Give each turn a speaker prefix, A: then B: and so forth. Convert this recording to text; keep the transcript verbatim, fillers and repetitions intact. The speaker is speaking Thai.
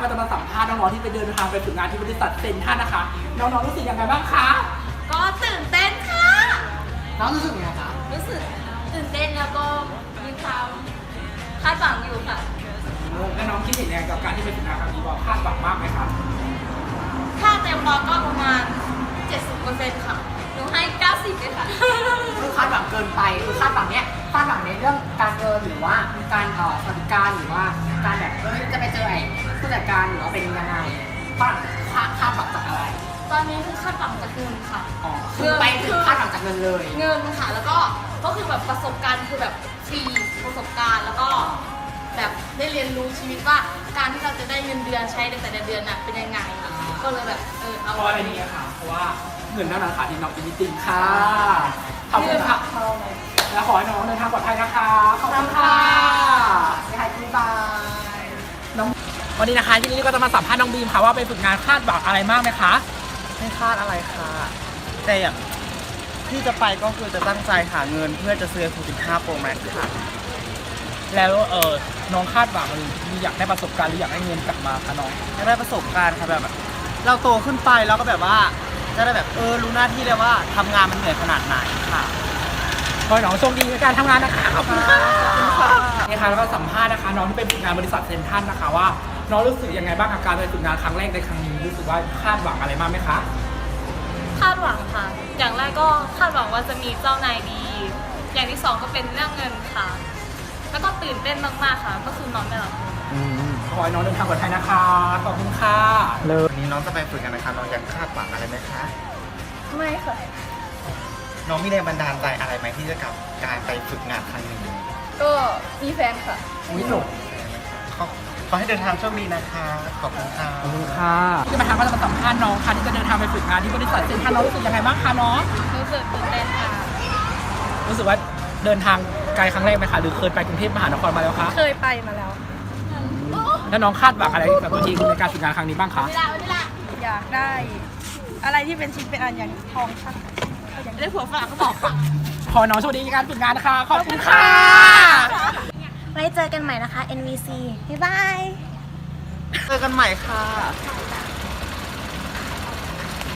A: ก็จะมาสัมภาษณ์น้องๆที่ไปเดินทางไปฝึกงานที่บริษัทเซนท่านนะคะน้องๆรู้สึกยังไงบ้างคะ
B: ก็ตื่นเต้นค่ะ
A: น้องรู้สึกยังไงคะ
B: รู้สึกตื่นเต้นแล้วก็มีความคาดหวังอยู่ค่ะ
A: แล้วน้องคิดเห็นยังไงกับการที่ไปฝึกงานครั้งนี้ว่าคาดหวังมากไหมคะ
B: ถ้าเต็มร้อยก็ประมาณ เจ็ดสิบเปอร์เซ็นต์ ค่ะหนูให้ เก้าสิบเลยค่ะ
C: คือคาดหวังเกินไปคือคาดหวังเนี้ยคาดหวังในเรื่องการเงินหรือว่าการเอ่อสวัสดิการหรือว่าการแบบเออจะไปเจอไอ้ผู้จัดการหรือว่าเป็นยังไงคาดคาดคาดหวังจากอะไร
B: ตอนนี้คือคาดหวังจากเงินค่ะ
C: อ๋อคือไปถึงคาดหวังจากเงินเลย
B: เงินค่ะแล้วก็ก็คือแบบประสบการณ์คือแบบฟรีประสบการณ์แล้วก็แบบได้เรียนรู้ชีวิตว่าการที่เราจะได้เงินเดือนใช้ในแต่ละเดือนน่ะเป็นยังไงก็เลยแบบเออเอา
A: เพราะอะไรนี่ค่ะเพราะว่าเงินเท่านั้นค่ะที่น้องจะมีติงค่ะขอบคุณค่ะแล้วขอให้น้องเดินทางปลอดภัยนะคะขอบคุณค่ะ
C: ไม่ให้คุณบาย
A: น้องวันนี้นะคะที่นี่ก็จะมาสัมภาษณ์น้องบีมค่ะว่าไปฝึกงานคาดหวังอะไรมากไหมคะ
D: ไม่คาดอะไรค่ะแต่อย่างที่จะไปก็คือจะตั้งใจหาเงินเพื่อจะซื้อ สิบห้า Pro Max ค่ะ
A: แล้วเออน้องคาดหวังหรืออยากได้ประสบการณ์หรืออยากได้เงินกลับมาคะน้อง
D: จะได้ประสบการณ์ค่ะแบบเราโตขึ้นไปแล้วก็แบบว่าจะได้แบบเออรู้หน้าที่เลยว่าทำงานมันเหนื่อยขนาดไหนค่ะ
A: ขอให้น้องโชคดีในการทำงานนะคะขอบคุณค่ะนี่ค่ะแล้วก็สัมภาษณ์นะคะน้องที่ไปฝึกงานบริษัทเซนทันนะคะว่าน้องรู้สึกยังไงบ้างกับการไปฝึกงานครั้งแรกในครั้งนี้รู้สึกว่าคาดหวังอะไรมากไหมคะ
B: คาดหวังค่ะอย่างแรกก็คาดหวังว่าจะมีเจ้านายดีอย่างที่สองก็เป็นเรื่องเงินค่ะแล้วก็ตื่นเต้นมากๆค่ะก็คือนอนไม่หลับ
A: ขอให้น้องเดินทางปลอดภัยนะคะขอบคุณค่ะ
D: เลยวันนี้น้องจะไปฝึกงานนะคะน้องยังคาดหวังอะไรไหมคะ
B: ไม่ค่ะ
D: น้องมีแรงบันดาลใจอะไรไหมที่จะกับการไปฝึกงานครั้งนี้
B: ก็มีแฟนค่ะ
A: อุ้ยหนู
D: ขอให้เดินทางโชคดีนะคะขอบคุณค่ะ
A: ขอบคุณค่ะที่มาทางก็จะมาสัมภาษณ์น้องค่ะที่จะเดินทางไปฝึกงานที่บริษัทเซนทันน้องรู้สึกยังไงบ้างคะน้อง
B: รู้สึกตื่นเต้นค่ะ
A: รู้สึกว่าเดินทางไกลครั้งแรกไหมคะหรือเคยไปกรุงเทพมหานครมาแล้วคะ
B: เคยไปมาแล้ว
A: แล้วน้องคาดหวังอะไรกับตัวทีในการฝึกงานครั้งนี้บ้างคะ
B: อยากได้อะไรที่เป็นชิ้นเป็นอันอย่างทองช่างได้ผัวฝรั่งก็บอกค่ะ
A: ขอน้องโชคดีในการฝึกงานนะคะขอบคุณค่ะ
B: ไว้เจอกันใหม่นะคะ เอ็น วี ซี บ๊ายบาย
D: เจอกันใหม่ค่ะ